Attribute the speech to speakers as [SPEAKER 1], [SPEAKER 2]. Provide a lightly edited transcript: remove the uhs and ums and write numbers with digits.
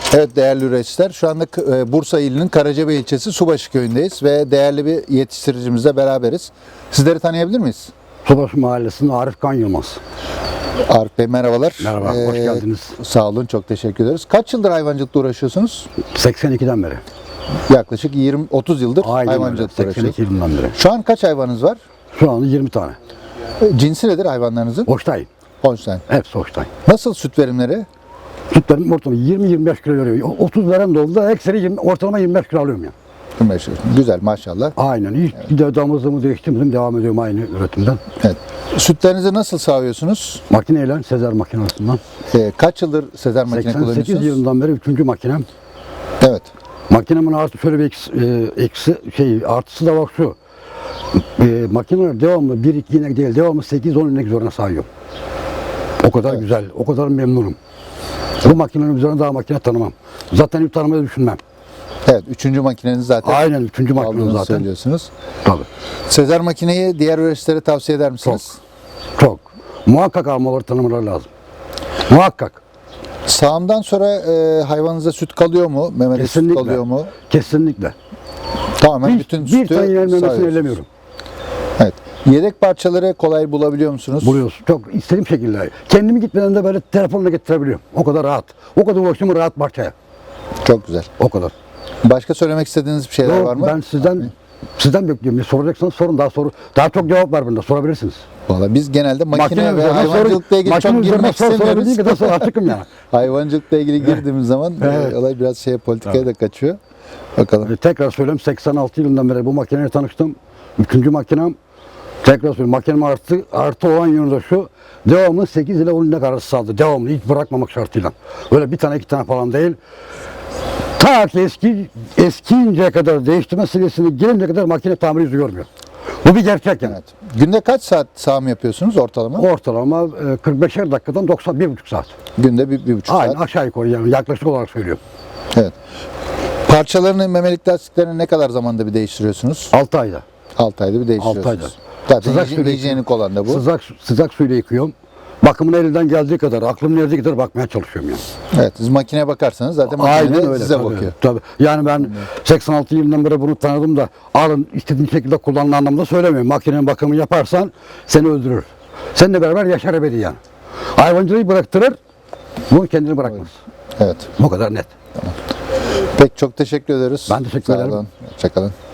[SPEAKER 1] Evet değerli üreticiler, şu anda Bursa ilinin Karacabey ilçesi Subaşı köyündeyiz ve değerli bir yetiştiricimizle beraberiz. Sizleri tanıyabilir miyiz?
[SPEAKER 2] Subaşı Mahallesi'nin Arif Kan Yılmaz.
[SPEAKER 1] Arif Bey merhabalar.
[SPEAKER 2] Merhaba, hoş geldiniz.
[SPEAKER 1] Sağ olun, çok teşekkür ederiz. Kaç yıldır hayvancılıkla uğraşıyorsunuz?
[SPEAKER 2] 82'den beri.
[SPEAKER 1] Yaklaşık 20-30 yıldır
[SPEAKER 2] Aynen öyle,
[SPEAKER 1] hayvancılıkla
[SPEAKER 2] 82
[SPEAKER 1] uğraşıyorsunuz.
[SPEAKER 2] yılından beri.
[SPEAKER 1] Şu an kaç hayvanınız var?
[SPEAKER 2] Şu anda 20 tane.
[SPEAKER 1] Cinsi nedir hayvanlarınızın?
[SPEAKER 2] Hoştayım.
[SPEAKER 1] Holstein.
[SPEAKER 2] Hepsi hoştayım.
[SPEAKER 1] Nasıl süt verimleri?
[SPEAKER 2] Sütlerim ortalama 20-25 kilo veriyor. 30 veren de oldu da ekseri ortalama 25 kilo alıyorum ya.
[SPEAKER 1] 25 yıl. Güzel maşallah.
[SPEAKER 2] Aynen. Hiç bir de damızlığımı değiştirmedim. Devam ediyorum aynı üretimden.
[SPEAKER 1] Evet. Sütlerinizi nasıl sağıyorsunuz?
[SPEAKER 2] Makineyle, Sezer makinesinden.
[SPEAKER 1] Kaç yıldır Sezer makine
[SPEAKER 2] 88
[SPEAKER 1] kullanıyorsunuz?
[SPEAKER 2] yılından beri 3. makinem.
[SPEAKER 1] Evet.
[SPEAKER 2] Makinemin artı şöyle bir artısı da bak şu. Makineler devamlı 1-2 inek değil, devamlı 8-10 inek üzerine sayıyor. O kadar güzel, o kadar memnunum. Bu makinenin üzerine daha makine tanımam. Zaten ilk tanımayı düşünmem.
[SPEAKER 1] Evet, 3. makineniz zaten.
[SPEAKER 2] Aynen 3. makine
[SPEAKER 1] aldığınızı
[SPEAKER 2] zaten.
[SPEAKER 1] söylüyorsunuz.
[SPEAKER 2] Tabii.
[SPEAKER 1] Sezer makineyi diğer üreticilere tavsiye eder misiniz?
[SPEAKER 2] Çok. Muhakkak almaları, tanımaları lazım. Muhakkak.
[SPEAKER 1] Sağımdan sonra hayvanınıza süt kalıyor mu? Memede süt
[SPEAKER 2] Kesinlikle.
[SPEAKER 1] kalıyor mu?
[SPEAKER 2] Kesinlikle.
[SPEAKER 1] Tamamen bütün
[SPEAKER 2] Bir
[SPEAKER 1] sütü
[SPEAKER 2] tane yenmemesini
[SPEAKER 1] sağıyorsunuz.
[SPEAKER 2] ellemiyorum.
[SPEAKER 1] Evet. Yedek parçaları kolay bulabiliyor musunuz?
[SPEAKER 2] Buluyorsun. Çok istediğim şekilde. Kendimi gitmeden de böyle telefonla getirebiliyorum. O kadar rahat. O kadar ulaşımı rahat parçaya.
[SPEAKER 1] Çok güzel.
[SPEAKER 2] O kadar.
[SPEAKER 1] Başka söylemek istediğiniz bir şeyler var mı?
[SPEAKER 2] Ben sizden bekliyorum. Soracaksanız sorun, daha çok cevap var bunda. Sorabilirsiniz.
[SPEAKER 1] Vallahi biz genelde makine ve
[SPEAKER 2] üzerine
[SPEAKER 1] hayvancılıkla ilgili çok girmek istemiyoruz.
[SPEAKER 2] Sorabildiğim kadar sonra açıkım yani.
[SPEAKER 1] Hayvancılıkla ilgili girdiğimiz zaman
[SPEAKER 2] Evet.
[SPEAKER 1] olay biraz politikaya da kaçıyor. Bakalım.
[SPEAKER 2] Tekrar söyleyeyim, 86 yılından beri bu makineyle tanıştım. 3. makinem. Tekrar söyleyeyim, makinem artı olan yönü de şu. Devamlı 8 ile 10 inek arası sağladı. Devamlı hiç bırakmamak şartıyla. Öyle bir tane iki tane falan değil. Ta ki eskiyinceye kadar, değiştirme seviyesine gelinceye kadar makine tamir yüzü görmüyor. Bu bir gerçek yani.
[SPEAKER 1] Evet. Günde kaç saat sağım yapıyorsunuz ortalama?
[SPEAKER 2] Ortalama 45'er dakikadan 91,5 saat.
[SPEAKER 1] Günde bir buçuk
[SPEAKER 2] Aynen
[SPEAKER 1] saat.
[SPEAKER 2] aşağı yukarı yani yaklaşık olarak söylüyorum.
[SPEAKER 1] Evet. Parçalarını, memelik lastiklerini ne kadar zamanda bir değiştiriyorsunuz?
[SPEAKER 2] 6 ayda.
[SPEAKER 1] 6 ayda bir değiştiriyorsunuz.
[SPEAKER 2] 6 ayda.
[SPEAKER 1] Zaten
[SPEAKER 2] Sıcak suyla
[SPEAKER 1] hijyenik olan da bu.
[SPEAKER 2] Sıcak suyla yıkıyorum. Bakımına elinden geldiği kadar, aklımın erdiği kadar bakmaya çalışıyorum yani.
[SPEAKER 1] Evet, siz makineye bakarsanız zaten makine de size
[SPEAKER 2] tabii,
[SPEAKER 1] bakıyor.
[SPEAKER 2] Tabii. Yani ben 86 yılından beri bunu tanıdım da alın istediğin şekilde kullanın anlamda söylemiyorum. Makinenin bakımı yaparsan seni öldürür. Seninle beraber yaşar ebedi yani. Hayvancılığı bıraktırır, bunu kendini bırakmaz.
[SPEAKER 1] Evet.
[SPEAKER 2] Bu kadar net.
[SPEAKER 1] Peki çok teşekkür ederiz.
[SPEAKER 2] Ben teşekkür ederim.
[SPEAKER 1] Sağ olun. Hoşça kalın.